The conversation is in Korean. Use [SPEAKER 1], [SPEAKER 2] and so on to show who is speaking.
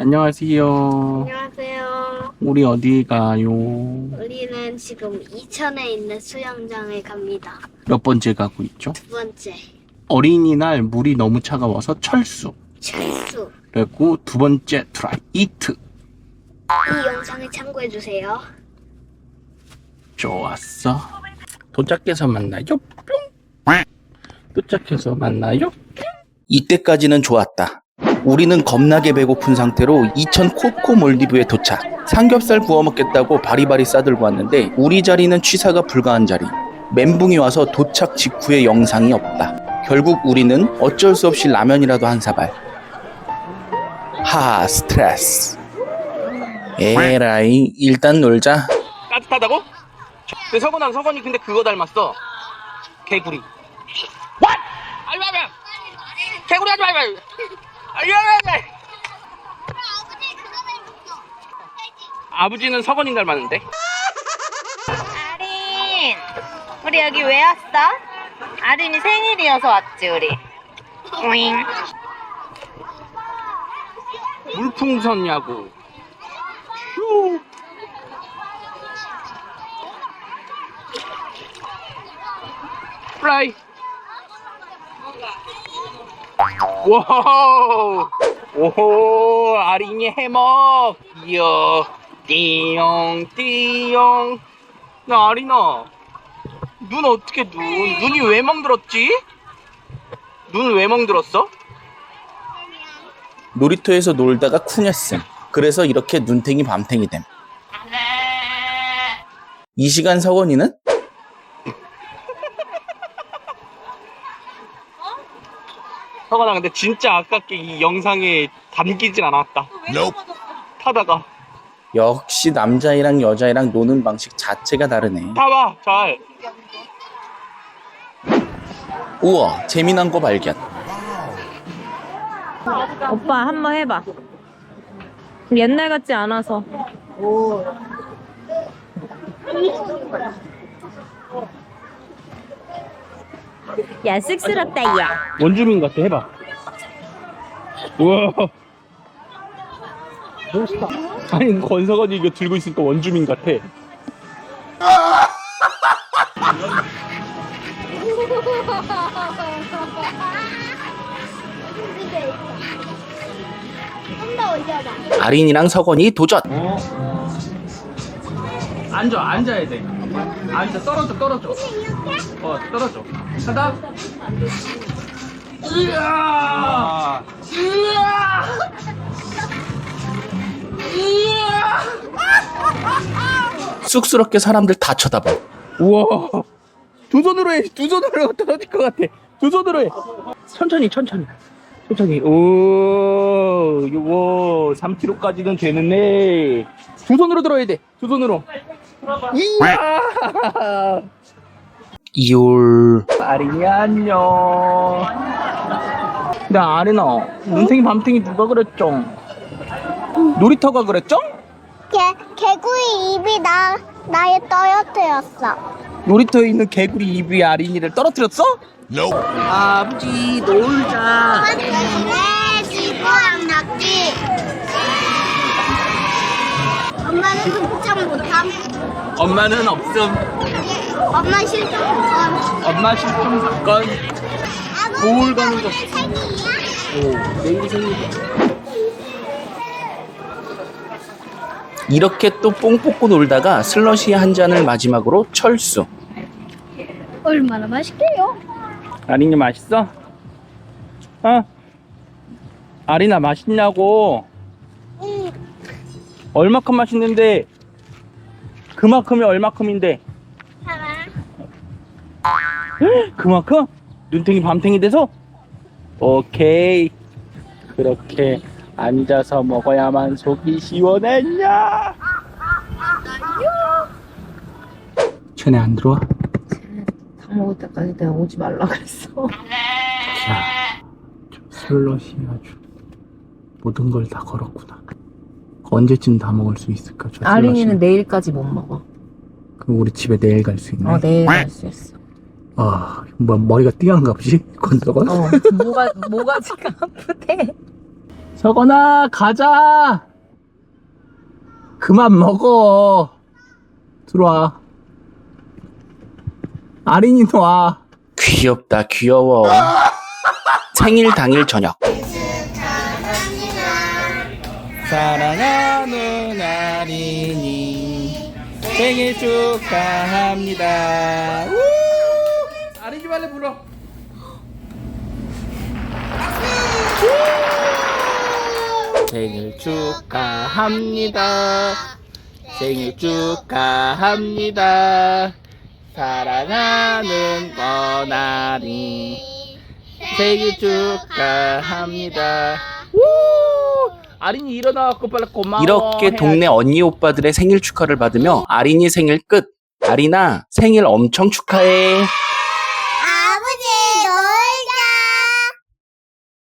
[SPEAKER 1] 안녕하세요.
[SPEAKER 2] 안녕하세요.
[SPEAKER 1] 우리 어디 가요?
[SPEAKER 2] 우리는 지금 이천에 있는 수영장에 갑니다.
[SPEAKER 1] 몇 번째 가고 있죠?
[SPEAKER 2] 두 번째,
[SPEAKER 1] 어린이날 물이 너무 차가워서 철수.
[SPEAKER 2] 철수.
[SPEAKER 1] 그리고 두 번째 트라이 이트.
[SPEAKER 2] 이 영상을 참고해주세요.
[SPEAKER 1] 좋았어. 도착해서 만나요. 뿅. 도착해서 만나요. 이때까지는 좋았다. 우리는 겁나게 배고픈 상태로 이천 코코 몰디브에 도착. 삼겹살 구워 먹겠다고 바리바리 싸들고 왔는데 우리 자리는 취사가 불가한 자리. 멘붕이 와서 도착 직후에 영상이 없다. 결국 우리는 어쩔 수 없이 라면이라도 한 사발. 하, 스트레스. 에라이, 일단 놀자. 따뜻하다고? 근데 서건이 근데 그거 닮았어. 개구리. What? 알바면 개구리 하지 말고. 알바면. 아버지는 서건이 닮았는데.
[SPEAKER 3] 아린, 우리 여기 왜 왔어? 아린이 생일이어서 왔지 우리. 오잉.
[SPEAKER 1] 물풍선 야구. 휴. 플라이. 와우. 오호, 아린이 해먹. 이야. 띠용. 나 아린아. 눈 어떻게 눈이 왜 멍들었지? 눈 왜 멍들었어? 놀이터에서 놀다가 쿵했음. 그래서 이렇게 눈탱이 밤탱이 됨. 이 시간 서건이는? 서건아, 근데 진짜 아깝게 이 영상에 담기진 않았다. 타다가. 역시 남자애랑 여자애랑 노는 방식 자체가 다르네. 타봐, 잘. 우와, 재미난 거 발견.
[SPEAKER 3] 오빠 한번 해봐. 옛날 같지 않아서. 야, 쑥스럽다 야.
[SPEAKER 1] 원주민 같아, 해봐. 우와. 멋있다. 아니, 권석원이 이거 들고 있으니까 원주민 같아.
[SPEAKER 2] 좀더 올려봐.
[SPEAKER 1] 아린이랑 석원이 도전. 앉아야 돼. 앉아, 떨어져. 떨어져. 하다. 으아! 쑥스럽게 사람들 다 쳐다봐. 우와. 두 손으로 해. 두 손으로 떨어질 것 같아. 두 손으로 해. 천천히. 오, 요거 3kg까지는 되는데 두 손으로 들어야 돼. 두 손으로. 이야. 이올. 아린이 안녕. 근데 아린아, 눈탱이 밤탱이 누가 그랬죠? 놀이터가 그랬죠?
[SPEAKER 2] 개구리 입이 나의 떨어뜨렸어.
[SPEAKER 1] 놀이터에 있는 개구리 입이 아린이를 떨어뜨렸어? 아버지 놀자.
[SPEAKER 2] 왜 지구랑 낙지? 엄마는 흠짝 못함.
[SPEAKER 1] 엄마는 없음.
[SPEAKER 2] 엄마 실종 사건.
[SPEAKER 1] 엄마 실종 사건. 거울 가는 거.
[SPEAKER 2] 생일이야?
[SPEAKER 1] 오, 내일 생일이야. 이렇게 또 뽕 뽑고 놀다가 슬러시 한 잔을 마지막으로 철수.
[SPEAKER 2] 얼마나 맛있게요?
[SPEAKER 1] 아린이 맛있어? 어? 아린아 맛있냐고?
[SPEAKER 2] 응.
[SPEAKER 1] 얼마큼 맛있는데? 그만큼이 얼마큼인데?
[SPEAKER 2] 하나.
[SPEAKER 1] 그만큼? 눈탱이 밤탱이 돼서? 오케이. 그렇게 앉아서 먹어야만 속이 시원했냐? 쟤네 안 들어와?
[SPEAKER 3] 다 먹을 때까지 내가 오지 말라 그랬어.
[SPEAKER 1] 자, 슬롯이 아주 모든 걸 다 걸었구나. 언제쯤 다 먹을 수 있을까? 저
[SPEAKER 3] 아린이는
[SPEAKER 1] 슬러시.
[SPEAKER 3] 내일까지 못 먹어.
[SPEAKER 1] 그럼 우리 집에 내일 갈 수 있네.
[SPEAKER 3] 내일 갈 수 있어.
[SPEAKER 1] 아, 뭐 머리가 띵한가 보지? 건서건?
[SPEAKER 3] 뭐가 지금 아프대.
[SPEAKER 1] 저거나 가자. 그만 먹어. 들어와. 아린이 와. 귀엽다 귀여워. 생일 당일 저녁. 사랑하는 아린이 생일 축하합니다. 우! 아린이 발레 불어. 생일 축하합니다. 생일 축하합니다. 사랑하는 권아린 생일 축하합니다. 우! 아린이 일어나갖고 빨리 고마워. 이렇게 동네 언니 오빠들의 생일 축하를 받으며 아린이 생일 끝. 아린아 생일 엄청 축하해.